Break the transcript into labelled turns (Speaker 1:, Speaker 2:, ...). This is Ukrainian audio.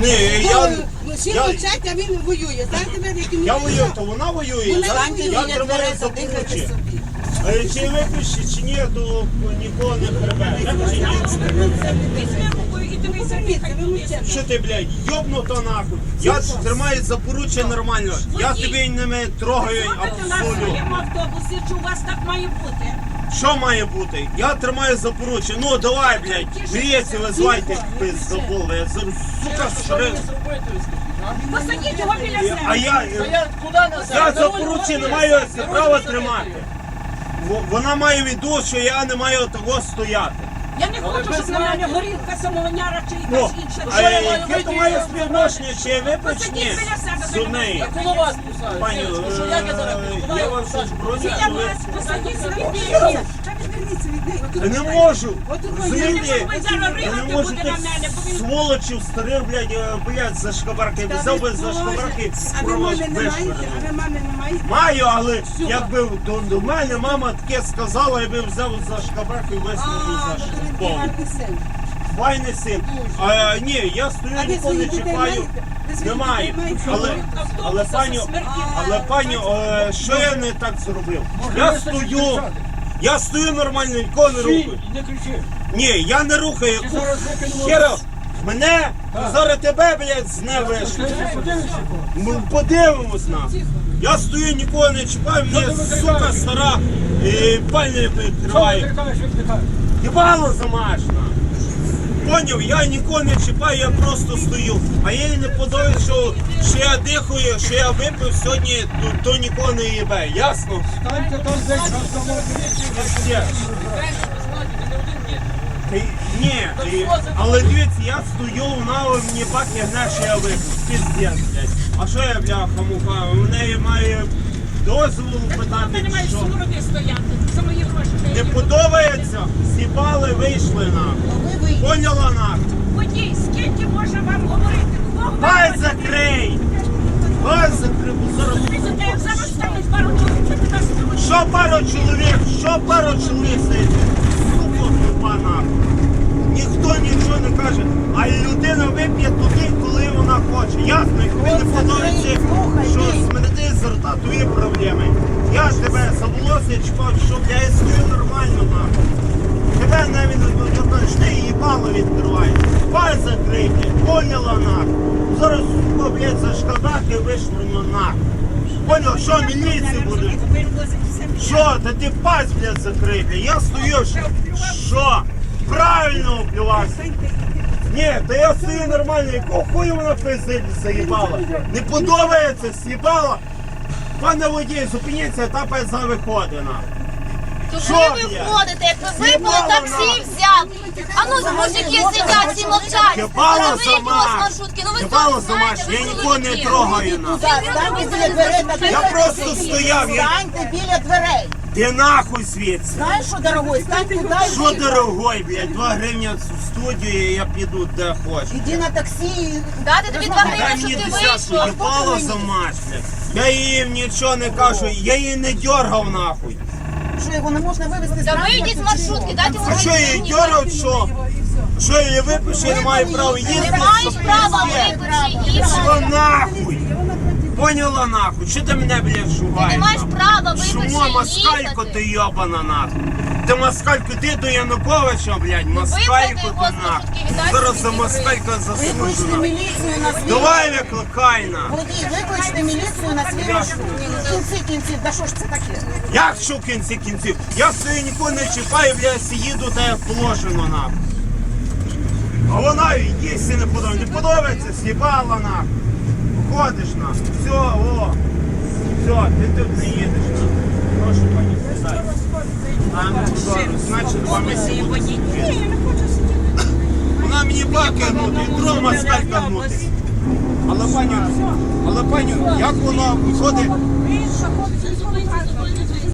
Speaker 1: Ні,
Speaker 2: Всі мовчать, а він воює. Знаєте, ви, яким
Speaker 1: я воюю, то вона воює. Я тримаю за поручі. Чи випиші, чи ні, то нікого не прибере. Що ти, блядь, йобнуто нахуй? Я тримаю за поруччя нормально. Я тебе не трогаю абсолютно.
Speaker 3: В автобусі, чи у вас так має бути?
Speaker 1: Що має бути? Я тримаю за поруччя. Ну давай, блядь, гріється, визвайте, пиздоболи. Сука, шрифт.
Speaker 3: Посадіть його біля себе.
Speaker 1: А я за поруччя не маю права тримати. Вона має віду, що я не маю того стояти.
Speaker 3: Я не хочу, щоб на мене горілка, самовняра чи якась інша.
Speaker 1: А яке то має співношення, чи я випечні
Speaker 3: Посадіть біля себе.
Speaker 1: з неї?
Speaker 4: Коло вас писають.
Speaker 1: Пані, я вас броню,
Speaker 3: Біля
Speaker 1: ви...
Speaker 3: вас, посадіть себе.
Speaker 1: Я не можу,
Speaker 3: Я
Speaker 1: розумієте?
Speaker 3: не зараз
Speaker 1: Я не
Speaker 3: ригати
Speaker 1: можу
Speaker 3: буде
Speaker 1: тих
Speaker 3: на мене, бо він...
Speaker 1: сволочів старих, блядь, за шкабарки. Взяв би за шкабарки,
Speaker 2: А ви мами не маєте? А ви мами не маєте?
Speaker 1: Маю, але якби до мене мама таке сказала, я би взяв за шкабарки і висунув за шкабарку.
Speaker 2: Гарний син.
Speaker 1: Файний син. Ні, я стою, ніколи не чіпаю. Немає. Але пані, що я не так зробив? Я стою нормально, нікого не рухаю.
Speaker 4: Не кричи.
Speaker 1: Ні, я не рухаю. Хера, мене, зараз тебе, блядь, з не вийшло. Подивимось на. Я стою, нікого не чіпаю, мені, сука, стара, пальня відкриває. Їбало замашна. Поняв, я нікого не чіпаю, я просто стою. А їй не подобається, що я дихаю, що я випив сьогодні, то нікого не їбе. Ясно? Ні, але дивіться, я стою, вона мені бак гне, що я випив. Піздець, блядь. А що я, бляха-муха, у неї має дозволу питати,
Speaker 3: Ти не маєш
Speaker 1: що?
Speaker 3: сумороди стояти. За мої гроші.
Speaker 1: Не подобається? З'їбали, вийшли нахуй. Поняла нахуй?
Speaker 3: Водій, скільки можна вам говорити? Кого ви
Speaker 1: Дай
Speaker 3: хочете?
Speaker 1: закрий! Дай закрий, бо зараз...
Speaker 3: Як зараз стануть пару чоловік, ти нас не хочеш.
Speaker 1: Що пару чоловік сидить? Сука, тупа нахуй. Ніхто нічого не каже, а людина вип'є туди, коли вона хоче. Ясно, і тобі не подобається, що смерти з рта, твої проблеми. Я ж тебе за волосся чіпав, щоб я стою нормально нахуй. Тебе навіть ти їбало відкриває. Паль закрий, поняла нахуй. Зараз, сука, блядь, за шкадаки вишвырну нахуй. Понял, що міліції буде? Що? Та ти пасть, блядь, закрий, блядь. Я стою, що? Правильно вплювався. Ні, та я стою нормально, якого хуя вона пиздить заїбала? Не подобається, з'їбала? Пане водій, зупиніться, та пизда виходить нахуй.
Speaker 5: То
Speaker 1: Що,
Speaker 5: коли ви
Speaker 1: блядь?
Speaker 5: входите, як ви випили
Speaker 1: Їбало
Speaker 5: таксі взяв. А ну, мужики сидять, всі мовчать.
Speaker 1: Їбало
Speaker 5: Заберіть його з
Speaker 1: замаш.
Speaker 5: маршрутки. Ну ви
Speaker 1: Їбало
Speaker 5: самі знаєте,
Speaker 1: замаш,
Speaker 5: ви
Speaker 1: я нікого не
Speaker 5: чоловіки.
Speaker 1: трогаю нахуй. Я просто стояв, я...
Speaker 6: Станьте біля дверей.
Speaker 1: Де нахуй звідси?
Speaker 6: Знаєш що, дорогой, стань туди і
Speaker 1: Що дорогой, блядь, 2 гривні в студію, і я піду де хочу.
Speaker 6: іди на таксі.
Speaker 5: Дати тобі 2
Speaker 1: Дай
Speaker 5: гривні,
Speaker 1: мені
Speaker 5: щоб ти
Speaker 1: десятку,
Speaker 5: вийшов.
Speaker 1: їбало замаш, блядь. Я їм нічого не кажу, я її не дьоргав нахуй.
Speaker 6: Що його не можна вивезти з
Speaker 5: Та
Speaker 6: транспорту,
Speaker 5: вийдіть з
Speaker 6: чи
Speaker 5: маршрутки, дайте
Speaker 1: А що я її
Speaker 5: гривні.
Speaker 1: дьоргав, що? Що я її випишу, я не маю права їздити?
Speaker 5: Не маєш права випити її.
Speaker 1: Що нахуй? Поняла нахуй? Що ти мене, блядь,
Speaker 5: Ти
Speaker 1: шугаєш?
Speaker 5: не маєш
Speaker 1: нахуй?
Speaker 5: права випити
Speaker 1: Шумо, москалько ти йобана нахуй. Ти москалько, ти до Януковича, блядь, москалько
Speaker 5: його
Speaker 1: ти
Speaker 5: з
Speaker 1: нахуй.
Speaker 5: маршрутки, віддайте
Speaker 1: Зараз за
Speaker 5: мені
Speaker 1: москалька заслужу
Speaker 6: Викличте
Speaker 1: нахуй.
Speaker 6: міліцію на свій
Speaker 1: Давай викликай на.
Speaker 6: Водій, викличте міліцію на свій маршрут. В кінці кінців, да що ж це таке?
Speaker 1: Як що в кінці кінців? Я стою, нікого не чіпаю, блядь, їду та як положено нахуй. А вона їсти не подобається. Не подобається, з'їбала нахуй. Ходиш нахуй. Все, о. Все, ти тут не їдеш нахуй. Прошу, пані, сідай. А, ну, добре, значить, 2 місяці буде сидіти. Вона мені баки гнути, і друга москалька гнути. Але пані, як воно виходить?